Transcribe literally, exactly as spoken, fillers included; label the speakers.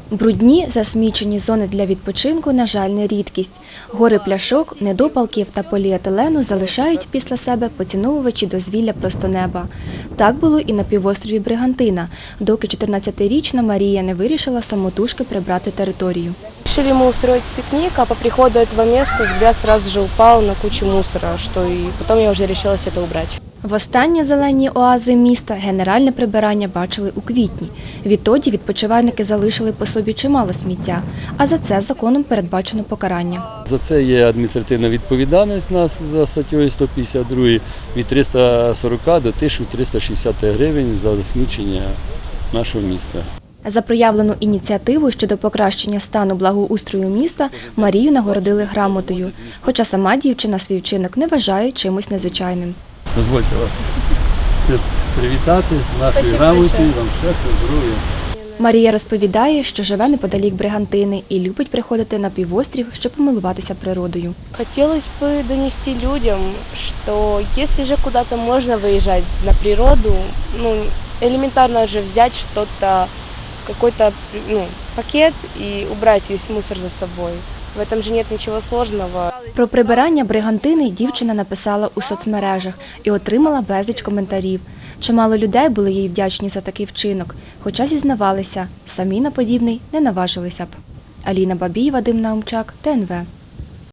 Speaker 1: Брудні, засмічені зони для відпочинку, на жаль, не рідкість. Гори пляшок, недопалків та поліетилену залишають після себе поціновувачі дозвілля просто неба. Так було і на півострові Бригантина, доки чотирнадцятирічна Марія не вирішила самотужки прибрати територію.
Speaker 2: Решили мы устроить пикник, а по приходу этого места взгляд сразу же упал на кучу мусора, что и потом я уже решилась это убрать.
Speaker 1: Востаннє зелені оази міста генеральне прибирання бачили у квітні. Відтоді відпочивальники залишили по собі чимало сміття, а за це законом передбачено покарання.
Speaker 3: За це є адміністративна відповідальність нас за статтею сто п'ятдесят два від триста сорок до тисячі триста шістдесят гривень за засмічення нашого міста.
Speaker 1: За проявлену ініціативу щодо покращення стану благоустрою міста Марію нагородили грамотою, хоча сама дівчина свій вчинок не вважає чимось незвичайним.
Speaker 3: Дозвольте вас привітати з нашою грамотою, вам щастя, здоров'я.
Speaker 1: Марія розповідає, що живе неподалік Бригантини і любить приходити на півострів, щоб помилуватися природою.
Speaker 2: Хотелось бы донести людям, что если же куда-то можно выезжать на природу, ну, элементарно же взять что-то, какой-то ну, пакет и убрать весь мусор за собой. В этом же нет ничего сложного.
Speaker 1: Про прибирання Бригантини дівчина написала у соцмережах і отримала безліч коментарів. Чимало людей були їй вдячні за такий вчинок, хоча зізнавалися, самі на подібний не наважилися б. Аліна Бабій, Вадим Наумчак, Т Н В.